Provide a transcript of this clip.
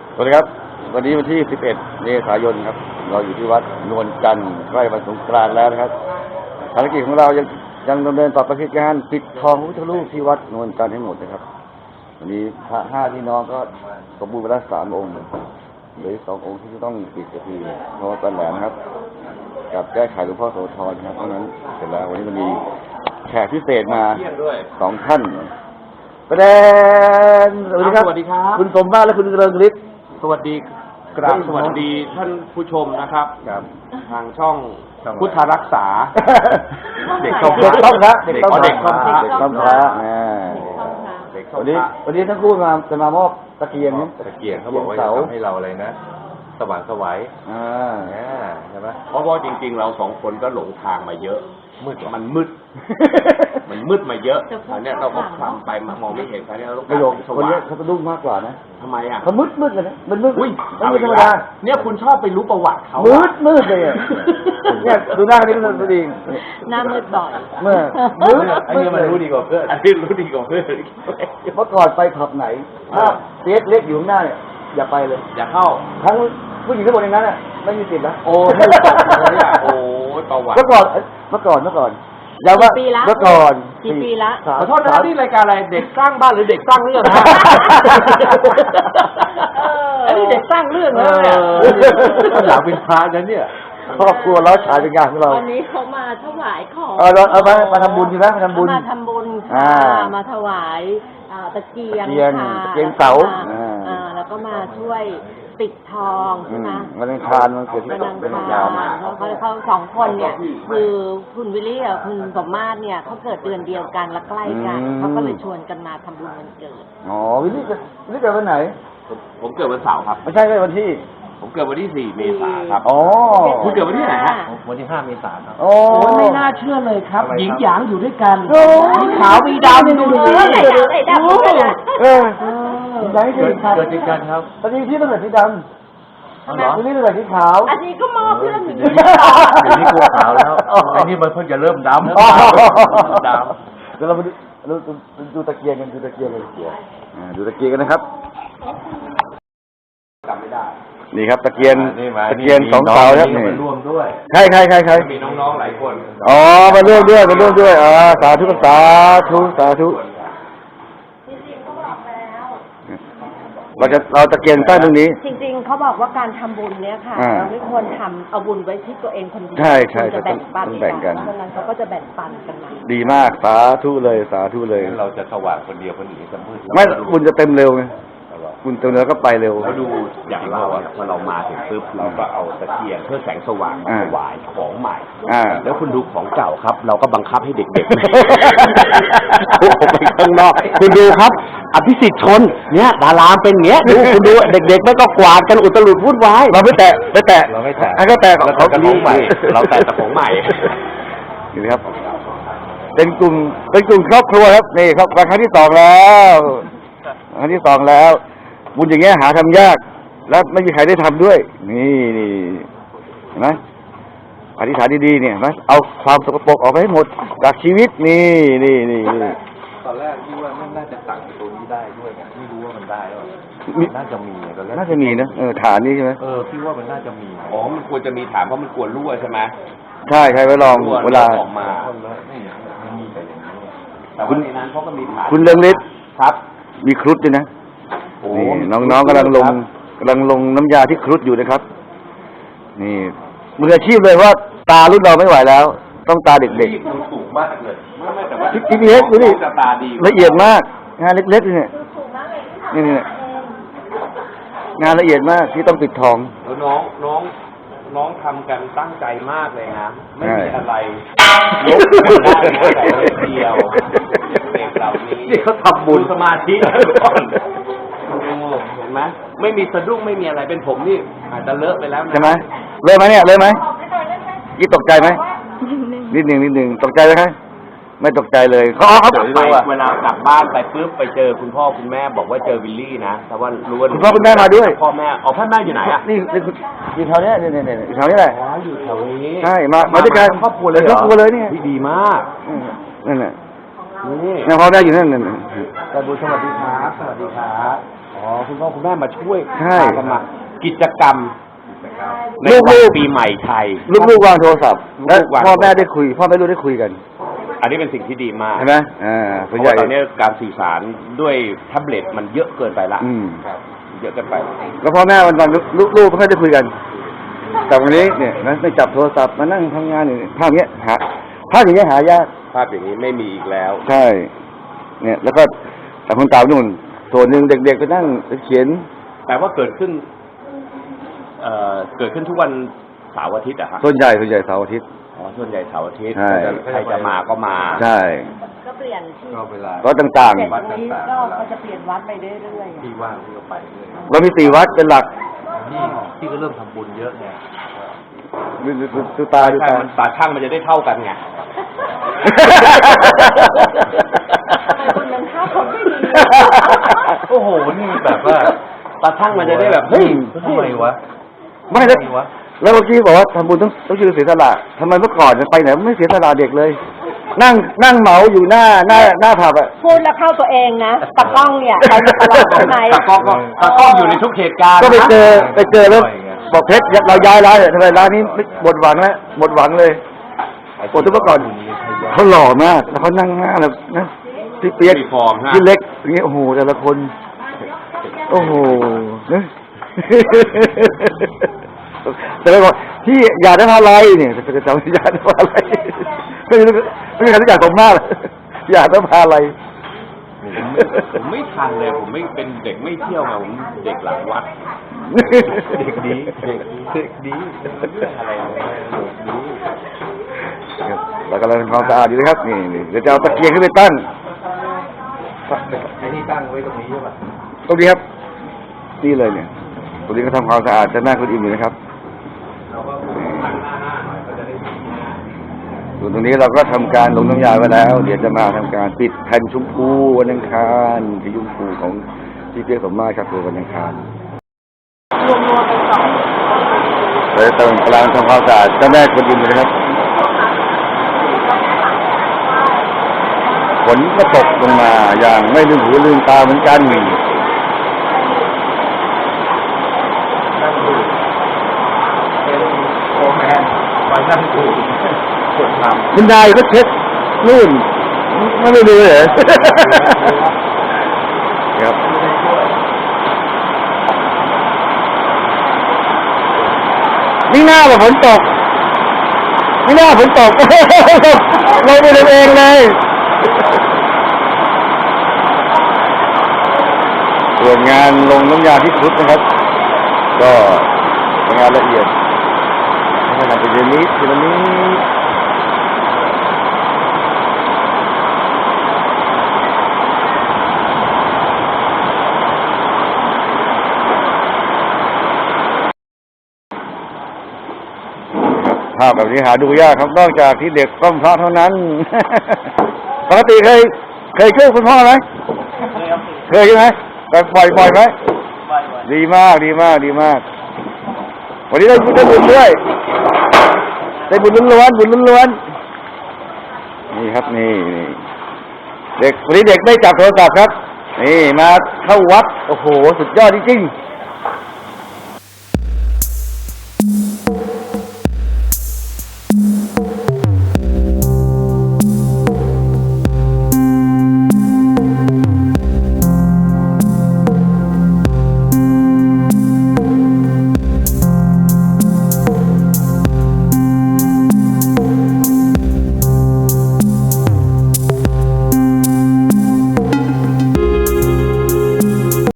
สวัสดีครับวันนี้วันที่ 11 เมษายนครับเราอยู่ที่วัดนวลจันทร์ใกล้วันสงกรานต์แล้วนะครับภารกิจของเรายังดำเนินต่อไปคือการปิดทองพระพุทธรูปที่วัดนวลจันทร์ให้หมดนะครับวันนี้พระ5พี่น้องก็สมบูรณ์ไปแล้ว3 องค์เหลือ2 องค์ที่จะต้องปิดก็คือพระวัดปันแหลมครับกับแก้ไขหลวงพ่อโสธรครับเพราะฉะนั้นเสร็จแล้ววันนี้มันมีแขกพิเศษมา2 ท่านประเด็นสวัสดีครับสวัสดีครับคุณสมมาตรและคุณเริงฤทธิ์สวัสดีกราบสวัสดีท่านผู้ชมนะครับทางช่องพุทธรักษาเด็กช่องพระเด็กช่องพระเด็กช่องพระเด็กช่องพระวันนี้ทั้งคู่จะมามอบตะเกียงตะเกียงเขาบอกว่าจะทำให้เราอะไรนะ สว่างไสวใช่ไหมเพราะว่าจริงๆเรา2 คนก็หลงทางมาเยอะมันมืดมาเยอะอันนี้เราก็ทำไปมองไม่เห็นอันนี้เราต้องประโยคสคนว่านี้งเขาจะดุ้งมากกว่านะทำไมอ่ะเขามืดเลยนะมันมืดอุ้ยไม่ธรรมดาเนี่ยคุณชอบไปรู้ประวัติเขามืดเลยอ่ะเนี่ยดูหน้าคนนี้ก็ดีหน้ามืดบ่อยเมื่อไอ้นี่มันรู้ดีกว่าเพื่อนอันนี้รู้ดีกว่าเพื่อนเมื่อก่อนไปผับไหนถ้าเสียเล็กอยู่ข้างหน้าเนี่ยอย่าไปเลยอย่าเข้าทั้งผู้หญิงทั้งหมดในนั้นอ่ะไม่มีสิทธิ์นะโอ้ไม่รู้เลยอ่ะโอ้ประวัติเมื่อก่อนอย่าว่ากี่ปีละเมื่อก่อนกี่ปีละขอโทษนะนี่รายการอะไรเด็กสร้างบ้านหรือเด็กสร้างเรื่องฮะอันนี้เด็กสร้างเรื่องนะเนี่ยอยากเป็นพระนั้นเนี่ยครอบครัวเราฉายเป็นงานของเราวันนี้เขามาถวายของเอามาทำบุญใช่ไหมมาทำบุญมาทำบุญอ่าค่ะมาถวายตะเกียงค่ะตะเกียงเสาแล้วก็มาช่วยปิดทองใช่ไหมวันอังคารมันเกิดที่วันอังเป็นคารยาวมาเขา2 คนเนี่ยคือคุณวิลลี่กับคุณสมมาตรเนี่ยเขาเกิดเดือนเดียวกันและใกล้กันเขาก็เลยชวนกันมาทำบุญวันเกิดอ๋อวิลลี่เกิดวันไหนผมเกิดวันเสาร์ครับไม่ใช่วันที่ผมเกิดวันที่4 เมษายนครับอ๋อคุณเกิดวันที่ไหนฮะวันที่5 เมษายนครับโอ้โอ้ไม่น่าเชื่อเลยครับ หญิงหยางอยู่ด้วยกันโอ้มีขาวมีดำดูดิไหนดำด้วยนะไหนเกิดเกิดที่กันครับตอนนี้พี่ต้องเกิดที่ดำวิลลี่ต้องเกิดที่ขาวอันนี้ก็มอเพื่อนอยู่เดี๋ยวนี้กลัวขาวแล้วไอ้นี่มันเพิ่งจะเริ่มดำเดี๋ยวเรามาดูตะเกียงกันดูตะเกียงกันดูตะเกียงกันนะครับจำไม่ได้นี่ครับตะเกียงนี่ 2 เสาครับนี่นี่มาร่วมด้วยใครมีน้องๆหลายคนอ๋อมาร่วมด้วยสาธุเราตะเกียงตั้งตรงนี้จริงๆเขาบอกว่าการทำบุญเนี่ยค่ะ เราไม่ควรทำเอาบุญไว้ที่ตัวเองคนเดียวใช่จะแบ่งปันต้องแบ่งกันเพราะฉะนั้นเขาก็จะแบ่งปันกันมาดีมากสาธุเลยงั้นเราจะสว่างคนเดียวคนอื่นจะมืดไม่บุญจะเต็มเร็วไงบุญเต็มเร็วก็ไปเร็วเขาดูอย่างเราเนี่ยพอเรามาถึงปุ๊บเราก็เอาตะเกียงเพื่อแสงสว่างมาถวายของใหม่ แล้วคุณดูของเก่าครับ เราก็บังคับให้เด็กๆโอ้ไปข้างนอกคุณดูครับ อภิสิทธิ์ชนเนี่ยดารามเป็นอย่างเงี้ยดูคุณดูเด็กๆไม่ก็กวาดกันอุตลุดวุ่นวายเราไม่แตะเราไม่แตะให้เขาแตะเราแต่ของใหม่เราแต่ของใหม่นี่ครับเป็นกลุ่มครอบครัวครับนี่ครับครั้งที่ 2แล้วครั้งที่ 2แล้วบุญอย่างเงี้ยหาทำยากแล้วไม่มีใครได้ทำด้วยนี่เห็นไหมอธิษฐานดีๆเนี่ยนะเอาความสกปรกออกไปให้หมดจากชีวิตนี่ตอนแรกคิดว่าน่าจะสั่งตัวนี้ได้ด้วยไงไม่รู้ว่ามันได้หรือน่าจะมีตอนแรกน่าจะมีนะฐานนี้ใช่ไหมคิดว่ามันน่าจะมีอ๋อมันควรจะมีถามเพราะมันกลัวรั่วใช่ไหมใช่ใครไปลองเวลาออกมาไม่มีแต่อย่างนี้แต่ว่าในนั้นเขาก็มีถามคุณเรืองฤทธิ์ครับมีครุฑด้วยนะโอ้นี่น้องๆกำลังลงน้ำยาที่ครุฑอยู่นะครับนี่มืออาชีพเลยว่าตารุ่นเราไม่ไหวแล้ว ต้องตาเด็กมันสูงมากเลยไม่แต่ว่าๆทีเล็กดูดิจะตาดีละเอียดมากงานเล็กๆเนี่ยนี่งานละเอียดมากที่ต้องปิดทองแล้วน้องทำกันตั้งใจมากเลยนะไม่มีอะไรยกได้แต่เดียวเด็กเหล่านี้นี่เขาทำบุญสมาธิก่อนเห็นไหมไม่มีสะดุ้งไม่มีอะไรเป็นผมนี่อาจจะเลอะไปแล้วนะใช่ไหมเลยไหมเนี่ยเลยไหมยี่ตกใจไหมนิดหนึ่งตกใจไหมครับไม่ตกใจเลยเขาไปเวลากลับบ้านไปปุ๊บไปเจอคุณพ่อคุณแม่บอกว่าเจอวิลลี่นะแต่ว่ารู้ว่าคุณพ่อคุณแม่มาด้วยพ่อแม่พ่อแม่อยู่ไหนอ่ะนี่อยู่แถวนี้นี่อยู่แถวนี้แหละอ๋ออยู่แถวนี้ใช่มาด้วยกันครอบครัวเลยครอบครัวเลยนี่ดีมากนั่นแหละนี่พ่อแม่อยู่นั่นแต่บุญสวัสดีครับสวัสดีครับอ๋อคุณพ่อคุณแม่มาช่วยใช่พากันมากิจกรรมในลูวันกๆปีใหม่ไทยลูกๆวางโทรศัพท์และลูกๆวางพ่อแม่ได้คุยพ่อแม่ลูกได้คุยกันอันนี้เป็นสิ่งที่ดีมากใช่ไหมเพส่วนราะใหญ่ว่าตอนนี้การสื่อสารด้วยแท็บเล็ตมันเยอะเกินไปละอืมเยอะเกินไปแล้วพ่อแม่วันลูกๆไม่ค่อยได้คุยกัน แต่วันนี้เนี่ยนะไม่จับโทรศัพท์มานั่งทำงานอย่างนี้ภาพเนี้ยภาพอย่างเงี้ยหายากภาพอย่างนี้ไม่มีอีกแล้วใช่ เนี่ย แล้วก็แต่คนเก่านู่นส่วนหนึ่งเด็กๆไปนั่งเขียนแต่ว่าเกิดขึ้นทุกวันเสาร์อาทิตย์อะฮะส่วนใหญ่เสาร์อาทิตย์อ๋อส่วนใหญ่เสาร์อาทิตย์ใช่ใครจะมาก็มาใช่ก็เปลี่ยนที่ก็เวลาก็ต่างเสร็จตรงนี้ก็เขาจะเปลี่ยนวัดไปเรื่อยๆที่ว่างที่ก็ไปเรื่อยๆเรามี4 วัดเป็นหลักที่ก็เริ่มทำบุญเยอะไงดูตาดูใช่ตามันตาช่างมันจะได้เท่ากันไงคนนั้นข้าวคนไม่ดีโอ้โหนี่แบบว่าตาช่างมันจะได้แบบเฮ้ยทำไมวะไม่แล้วทำไมวะแล้วเมื่อกี้บอกว่าทำบุญต้องชื่อเสียสละทำไมเมื่อก่อนไปไหนไม่เสียสละเด็กเลย นั่งเหมาอยู่หน้าผับอะพูดแล้วเข้าตัวเองนะตากล้องเนี่ยไปตลอดใช่ไหมตากล้องอยู่ในทุกเหตุการณ์ก็ไปเจอแล้วบอกเพชรเราย้ายร้านเลยทำไมร้านนี้หมดหวังแล้วหมดหวังเลยปกติเมื่อก่อนเขาหล่อมากแล้วเขานั่งหน้าแบบนะพี่เปียกมีฟอร์มฮะพี่เล็กอย่างเงี้ยโอ้โหแต่ละคน โอ้โหนะแต่ไม่บอกที่อยากได้พาอะไรเนี่ยจะจำอยากได้พาอะไรไม่มีใครรู้จักผมมากเลยอยากได้พาอะไรผมไม่ทันเลย ผมไม่เป็นเด็กไม่เที่ยวไงผมเด็กหลังวัดเด็กดีเด็กดีเรื่องอะไรเนี่ยเรากำลังทำความสะอาดอยู่นะครับนี่เดี๋ยวจะเอาตะเกียงขึ้นไปตั้งไอ้นี่ตั้งไว้ตรงนี้ใช่ป่ะตรงนี้ครับนี่เลยเนี่ยตรงนี้ก็ทำความสะอาดจะหน้าคุณอิ่มอยู่นะครับส่วนตรงนี้เราก็ทำการลงน้ำยาไว้แล้ว เดี๋ยวจะมาทำการปิดแผ่นชมพูวันอังคารที่ชมพูของที่เปียกสมมาตรครับคือวันอังคารเราจะกำลังทำความสะอาดเจ้าแม่คุณอิ่มอยู่นะครับฝนก็ตกลงมาอย่างไม่ลืมหูลืมตาเหมือนกันเป็นโฟร์แมนคอยนั่งดูคนทำคุณนายก็เช็ดนู่นไม่ดูเลยครับนี่หน้าแบบฝนตกนี่หน้าฝนตกเราไปทำเองเลยส่วนงานลงน้ำยาที่สุดนะครับ ก็เป็นงานละเอียดไม่ทำเป็นนิดทีละนิดภาพแบบนี้หาดูยากครับนอกจากที่เด็กก้มพระเท่านั้น ปกติเคยช่วยคุณพ่อไหมเคยใช่ไหมแต่ปล่อยไหมดีมากวันนี้ได้บุญด้วยได้บุญล้วนนี่ครับนี่เด็กวันนี้เด็กได้จับโทรศัพท์ครับนี่มาเข้าวัดโอ้โหสุดยอดจริงๆ